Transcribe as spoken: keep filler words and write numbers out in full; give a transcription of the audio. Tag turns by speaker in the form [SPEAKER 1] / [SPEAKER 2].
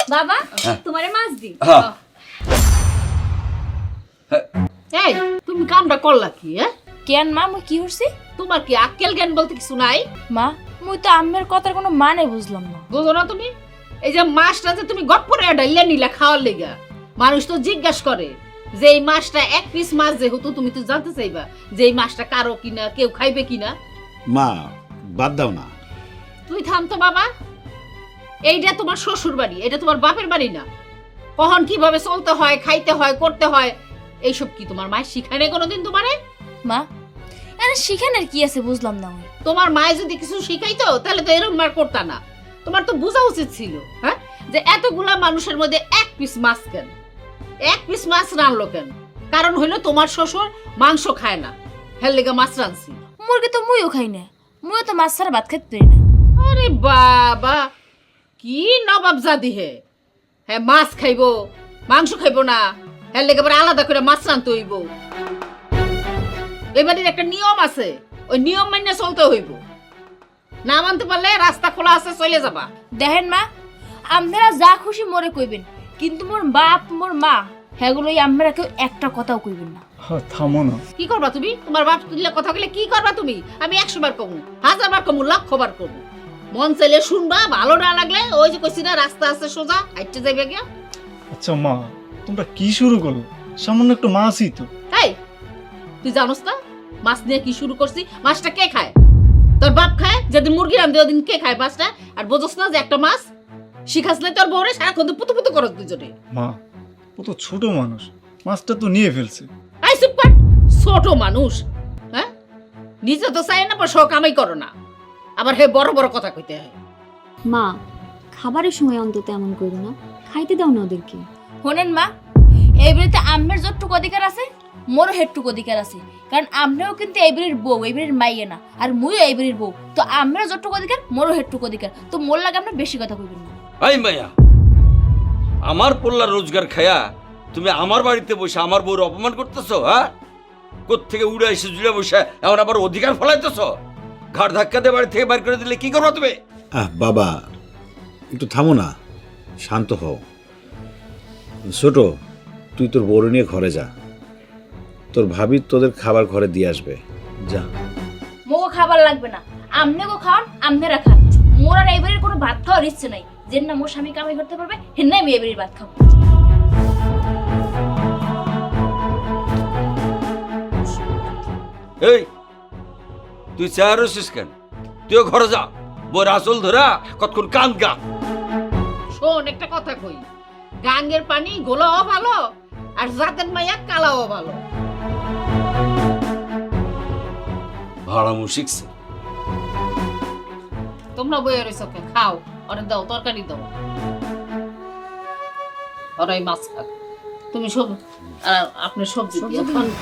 [SPEAKER 1] বাবা তোমারে মাছ দি।
[SPEAKER 2] এই তুমি কামটা করলা কি? হ্যাঁ
[SPEAKER 1] কেন মা মুই কি হইছি?
[SPEAKER 2] তোমার কি আক্কেল জ্ঞান বলতে কিছু নাই?
[SPEAKER 1] মা মুই তো আম্মের কথার কোনো মানে বুঝলাম না।
[SPEAKER 2] বুঝো না তুমি? এই যে মাছটা যে তুমি গট করে ডাইলে নিলা খাওয়ার লেগা, মানুষ তো জিজ্ঞাসা করে যে এই মাছটা এক পিস মাছ যেহেতু তুমি তো জানতে চাইবা যে এই মাছটা কারো কিনা, কেউ খাইবে কিনা।
[SPEAKER 3] মা বাদ দাও না।
[SPEAKER 2] তুই থাম তো বাবা, এইটা তোমার শ্বশুর বাড়ি, এটা তোমার বাপের বাড়ি না। কখন কিভাবে চলতে হয়, খাইতে হয়, করতে হয়, এইসব কি তোমার মায়ের শিখায় নাই কোনোদিন তোমারে?
[SPEAKER 1] মা আরে শিখানের কি আছে বুঝলাম না। আমি
[SPEAKER 2] তোমার মায়ে যদি কিছু শিখাইতো তাহলে তো এরকম মার করতা না। তোমার তো বোঝা উচিত ছিল হ্যাঁ যে এতগুলা মানুষের মধ্যে এক পিস মাছ কেন, এক পিস মাছ রানলো কেন? কারণ হইলো তোমার শ্বশুর মাংস খায় না, হেল লেগা মাছ রানছি।
[SPEAKER 1] মুরগি তো মুইও খাই না, মুইও তো মাছ ছাড়া ভাত খাইতে পারি না।
[SPEAKER 2] আরে বাবা কি নবাব জাদি হে, হ্যাঁ মাছ খাইবো মাংস খাইবো না, হেল লেগে পরে আলাদা করে মাছ রানতে হইব। এবারের একটা নিয়ম আছে, ওই নিয়ম মাইনে চলতে হইব। না মানতে পারলে রাস্তা খোলা আছে, চলে যাবা।
[SPEAKER 1] দেখেন মা আপনারা যা খুশি মোরে কইবেন, কিন্তু মোর বাপ মোর মা হেগুলোই আমরা কেউ একটা কথাও কইবেন না।
[SPEAKER 4] থামো না।
[SPEAKER 2] কি করবা তুমি? তোমার বাপ তুললে কথা বলে কি করবা তুমি? আমি একশো বার কমু, হাজার বার কমু, লক্ষ বার কমু। মন চাইলে শুনবা, ভালো না লাগলে ওই যে কইছি না রাস্তা আছে সোজা, হাইটে যাইবে গিয়া।
[SPEAKER 4] আচ্ছা মা তোমরা কি শুরু করো? সামান্য একটু মাছই তো।
[SPEAKER 2] এই তুই জানোস না মাছ নিয়ে কি শুরু করছি? মাছটা কে খায়? তোর বাপ খায়। যেদিন মুরগি রান্ধে ওদিন কে খায় মাছটা? আর বোঝস না যে একটা মাছ শিখাস নাই তোর বউরে, সারাক্ষণ তো পুতু পুতু করস দুজনে।
[SPEAKER 4] মা ও তো ছোট মানুষ, মাছটা তো নিয়ে ফেলছে।
[SPEAKER 2] আই চুপ কর, ছোট মানুষ হ্যাঁ? নিজে তো চাই না পর শখ কামাই করো না, আবার হে বড় বড় কথা কইতে হয়।
[SPEAKER 5] মা খাবারের সময় অন্তত এমন করো না, খাইতে দাও না ওদেরকে।
[SPEAKER 1] শোনেন মা, এই বাড়িতে আম্মের যতটুকু অধিকার আছে মোরও হেটটুকু অধিকার আছে, কারণ আমরাও কিন্তু এই বাড়ির বউ, এই বাড়ির মাইয়ে না, আর মুইও এই বাড়ির বউ। তো আমরা যতটুকু অধিকার মোরও হেটটুকু অধিকার, তো মোর লাগে আমরা বেশি কথা কইবেন না।
[SPEAKER 6] এই মাইয়া, আমার পোল্লা রোজগার খায়া তুমি আমার বাড়িতে বসে আমার বউর অপমান করতেছো? হ্যাঁ, কোত্থেকে উড়ে এসে জুড়ে বসে এমন আবার অধিকার ফলাইতেছো? ঘাড় ধাক্কা দিয়ে বাড়ি থেকে বাইর করে দিলে কি করবো তুমি?
[SPEAKER 3] আহ বাবা একটু থামো না, শান্ত হও। ছোট তুই তোর বড় নিয়ে ঘরে যা, তোর ভাবি তোদের খাবার ঘরে দিয়ে আসবে, যা।
[SPEAKER 1] মোগো খাবার লাগবে না, আমনে গো খাওয়ান, আমনেরা খান। মোর আর এই বাড়ির কোনো ভাত খাওয়ার ইচ্ছে নাই। যেন না মোর স্বামী কামাই করতে পারবে হেন নাই আমি এই বাড়ির ভাত খাবো।
[SPEAKER 6] এই তুই চেয়ার হচ্ছিস কেন? তুইও ঘরে যা, বউর আসল ধরা কতক্ষণ কান গা।
[SPEAKER 2] শোন একটা কথা কই, গাঙ্গের পানি গোলাও ভালো আর জাতের মাইয়া কালাও ভালো।
[SPEAKER 6] ভাড়ামু শিখছে।
[SPEAKER 2] তোমরা বইয়ে রয়েছ কে? খাও, অনেক দাও, তরকারি দাও, ওরাই মাছ খাক। তুমি সব আর আপনি সবজি দিয়ে খান।